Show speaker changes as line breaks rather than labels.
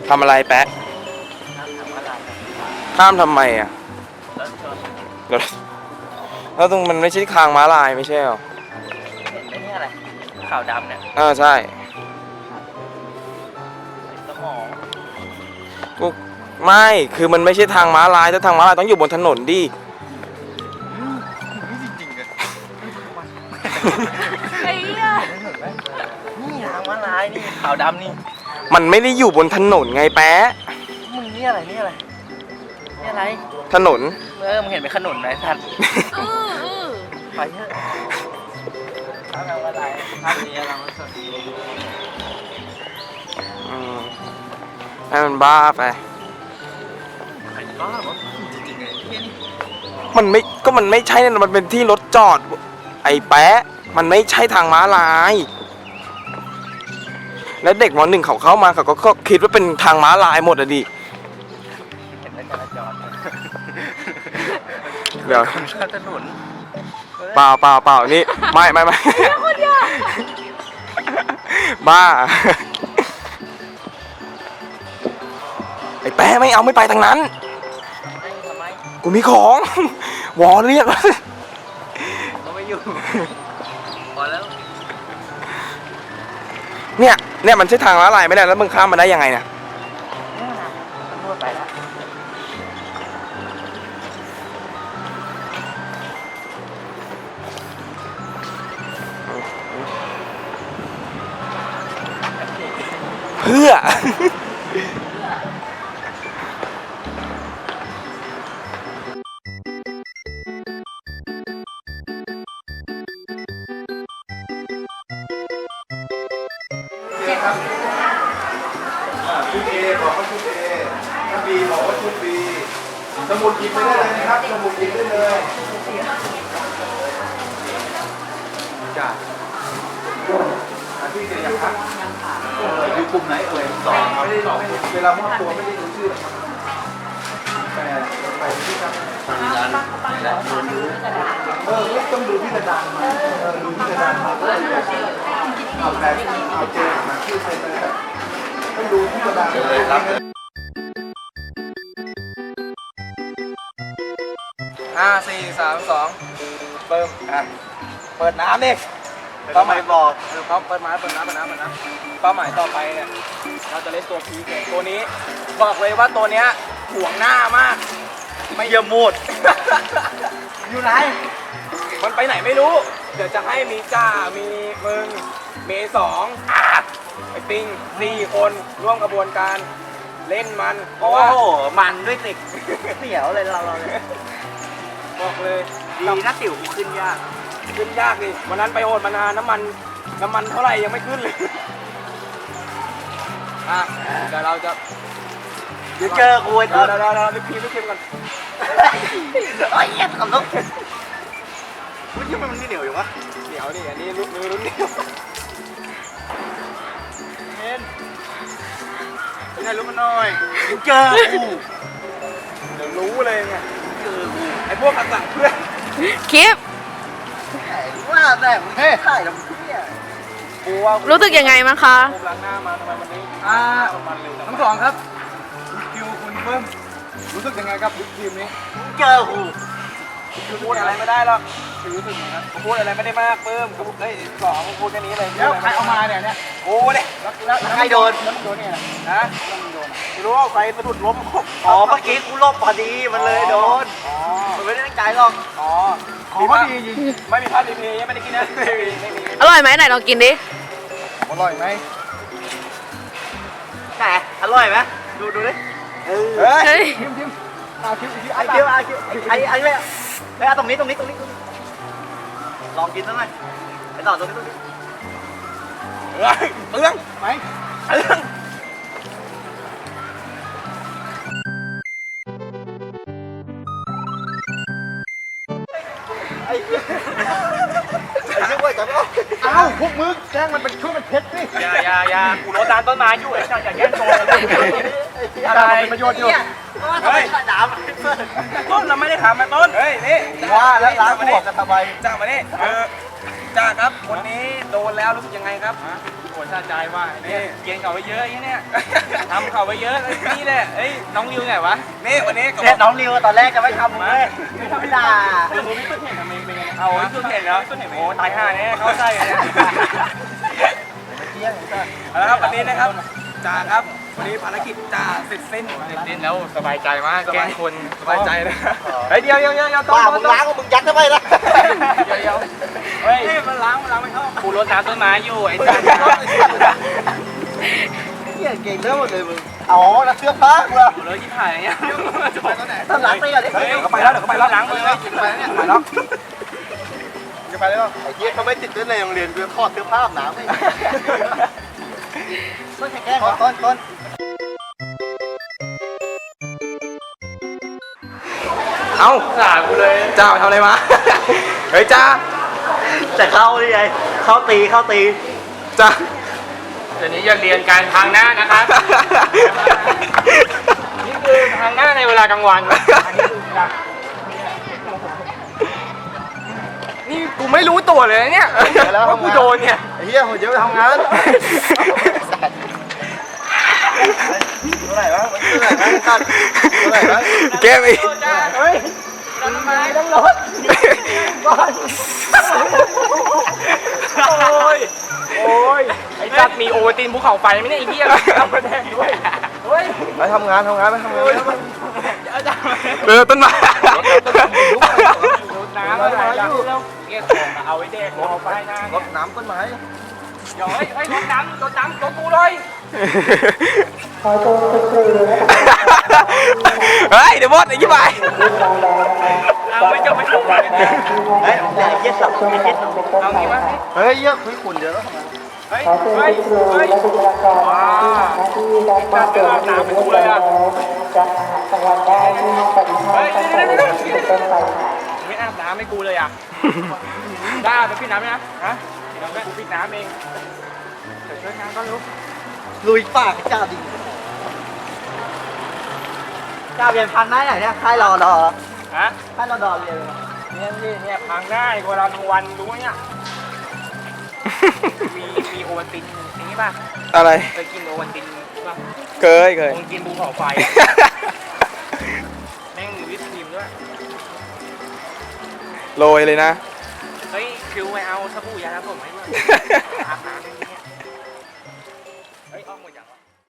ทำอะไรแปะห้ามทำไมอ่ะแล้วตรงมันไม่ใช่ทางม้าลายไม่ใช่หรอ
เห็นไหมเนี่ยอะไรขาวดำเนี่ย
ใช่
สมอง
กูไม่คือมันไม่ใช่ทางม้าลายถ้าทางม้าลายต้องอยู่บนถนนดิ
จริงๆเลยไอ้เนี่ยนี่ทางม้าลายนี่ขาวดำนี่
มันไม่ได้อยู่บนถนนไงแป๊ะ
มึงนี่อะไรนี่อะไรนี่อะไร
ถนน
มึงเห็นเป็นขนุนไหมสัตว์ไปเถอะทางม้าลายทางนี้เราสด
ให้มันบ้าไป
บ้าวะจริงๆไงที่นี่
มันไม่ใช่นะมันเป็นที่รถจอดไอ้แป๊ะมันไม่ใช่ทางม้าลายแล้วเด็กม.1เขาเข้ามาเขาก็คิดว่าเป็นทางม้าลายหมดอะดิ
เห็นแล้วจราจร
เดี๋ยว
ถนน
เปล่านี่ไม่บ้าไอ้แป๊ะไม่ไปทางนั้นกูมีของวอเรียก
เขาไม่อยู่พอแล้ว
เนี่ยมันใช่ทางม้าลายไม่ได้แล้วมึงข้ามมาได้ยังไงเนี่ย
ตำรวจไปแล้ว
เพื่อชุดเอบอกว่าชุดเอถ้าบีบอกว่าชุดบีสมุดหยิบไปได้เลยนะครับสมุดหยิบได้เลยจ้าพี่เจยังครับอยู่กลุ่มไหนเอ่ย2ไม่ได้เวลามอบตัวไม่ได้รู้ชื่อแต่ไปที่ครับต้องดูที่กระดานมาดูที่กระดานมาเอาแต่เอาเจมาชื่อใครไปแล้วต้องดูที่กระดานเลยครับ4 3 2เปิดน้ำดิเป้าหมายบอกเขาเปิดน้ำเป้าหมายต่อไปเนี่ยเราจะเล่นตัวพีเกตัวนี้บอกเลยว่าตัวเนี้ยห่วงหน้ามากไม่เยี่ยมหมดอยู่ไหนมันไปไหนไม่รู้เดี๋ยวจะให้มีจ้ามีมึงเม2ไอ้ปิง4คนร่วมกระบวนการเล่นมันเพราะว่า
มันด้วยติกเหนียวเลยเราเลย
บอกเลย
ดีนะติ๋วขึ้นยาก
ดิวันนั้นไปโหดมานานน้ำมันเท่าไหร่ยังไม่ขึ้นเลยเดี๋ยวเราจะ
เดี๋ยวเจอกู
เดี๋ยวรีบพิมพ์กัน
โอ้ยเหี้ยขำลุกวุ้ยมันเหนียวอยู่วะ
เหนียวนี่อันนี้มือรุ่นเหนียว
เห็นไม่ได้รู้มันหน่อยเดี๋ยวเจอกู
เดี๋ยวรู้เลยไงไอ้พวกกระสังเพื่อน
คลิป
ว่าแต่เฮ้ยถ่ายแล้วเนี่ย
รู้สึกยังไงมั้งคะ
ผมล้างหน้ามาทำไมวันนี้
ทั้งสองครับ
คิวคุณเพิ่มรู้สึกยังไงครับทีมนี้
เจอกู
พูดอะไรไม่ได้หรอกรู้สึกนะครับพูดอะไรไม่ได้มากเพิ่มเฮ้ย2พูดแค่นี้เลย
แล้วใครเอามาเนี่ย
โอ้เนี่ย
แล้วใครโดน
เนี่ยนะไม่รู้ว่าใครสะดุดล้ม
เมื่อกี้กูลบพอดีมันเลยโดนมันไม่ได้ตั้งใจหรอก
ของก็ดีจริงไม่มีพลาดดีพียังไม่ได้กินนะไม่มี
อร่อยไหมไหนลองกินดิ
อร่อยไหม
ไหนอร่อยไหมดูดิ
เฮ้ย
ทิม
ไอ้เลยเอาตรงนี้ลองกินสักหน่อยไปต่อตรงนี้
เปลืองไหม
ไอ้ช่วยจับ
พวกมึงแจ้งมันเป็นช่วยมันเพชรสิ
อย่ากูรถดานต้นไม้อยู่ไอ้อย่าแย่งโซน
อะไรเป็นประโยชน์อยู่
เฮ้ยด่า
ต้นเราไม่ได้ถามมาต้นเฮ้ยนี่
ว่าแล้วร้านหัวกันทำไม
จ้ามาดิจ้าครับคนนี้โดนแล้วรู้สึกยังไงครับหัวซาใจว่าเนี่ยเกียนเขาไปเยอะอย่างเนี้ยทำเขาไปเยอะนี่แหละเอ้ยน้องริวไงวะนี่วันนี้
เนี่ยน้องริวตอนแรกจะไม่ทำเลยไม่ด่า
คือพี่ตุ้นเห็นทำไมเป็นไงเอาพี่ตุ้นเห็นแล้วโอ้ตายห่าเนี่ยเข้าใจเนี่ยแล้วครับวันนี้นะครับจ่าครับวันนี้ภารกิจจ่าเสร็จสิ้นแล้วสบายใจมากแกล้งคนสบายใจนะเฮ้ยเดี๋ยวต้
บ้ามึงล้างมึงยัดทำไมล่ะ
เดี๋ยวเฮ้ยมันล้างไม่เข้ากูรดน้ำต้นไม้อยู่ไอ้จ่า
เหี้ยเก่งเรื่องหมดเลยมึงอ๋อแล้วเสื้อผ้ากูล่ะ
กูเลยที่ถ่ายเนี่ยจะไปตอนไหน
ต้องล้างตีก่อนดิ
เฮ้ยเขาไปแล้วเดี๋ยวเขาไปแล้วล้างมือเลยไปแล้วเนี่ยไปแล้วจะไปแล้ว
ไอ้เหี้ยเขาไม่ติดเล่นในโรงเรียนกูถอดเสื้อผ้าอาบน้ำไม่ต้นแกล้งต้น
เอ้าด่ากูเลยจ้าทำอะไรมาเฮ้ยจ้า
แต่เข้าได้ไงเข้าตี
จ้า
เดี๋ยวนี้จะเรียนการทางหน้านะครับ นี่คือทางหน้าในเวลากลางวัน อันนี้คือเวลา
นี่กูไม่รู้ตัวเลยนะเนี่ยว่ากูโดนเนี่ย
ไอ้เหี้ยผมจะไปทำงานเท่าไหร่วะ
แกไป
เฮ้ยเราทำไมต้องรถ โอ้ยไอ้จัดมีโอวัลตินภูเขาไฟไหมเนี่ยไอ้เหี้ยเอาไปแดงด้วยเฮ้ย
ไปทำงาน
เดี๋ยวจะ
ต้นไม้
ดูดน้ำอะไรอย่างนี้แล้วเงี้ยของเอาไว้แดงเอาไปหน้าร
ดน้ำต้นไม้
เดี๋ยวเฮ้ยรถน้ำรถกูเลย
เฮ้ยเดี๋ยวบดไอ้ยี่ไป
เอาไปจะไปทำอะไรเนี่ย
เฮ้ยเหี้ยสับเหี้ย
เอางี้มั้ย
เฮ้ยเหี้ยคุยขุนเดี๋ยวแล้วทำงาน
เฮ้ยว้าวจัดเรื่องน้ำไปกูเลยอ่ะเฮ้ยไม่อาบน้ำให้กูเลยอ่ะได้ไปปิดน้ำไหมนะฮะปิดน้ำไหมกูปิดน้ำเองเดี๋ยวช่วยงานก็รู้
ลุยปากจ้าดิจ้าเรียนพันได้ไหนเนี่ยค่ายรอดอ
ฮะ
ค่ายรอดอเรียน
เนี่ยพังง่ายกว่าเราทั้งวันรู้ไหมเนี่ยมีโอวัลตินอย่างนี้ป่ะ
อะไร
เคยกินโอวัลตินป่ะ
เคย
คงกินภูเขาไฟอะแม่งมีวิปครีมด้วย
โรยเลยนะ
เฮ้ยคิวไปเอาสบู่ยาสระผมให้ด้วยอาบน้ำ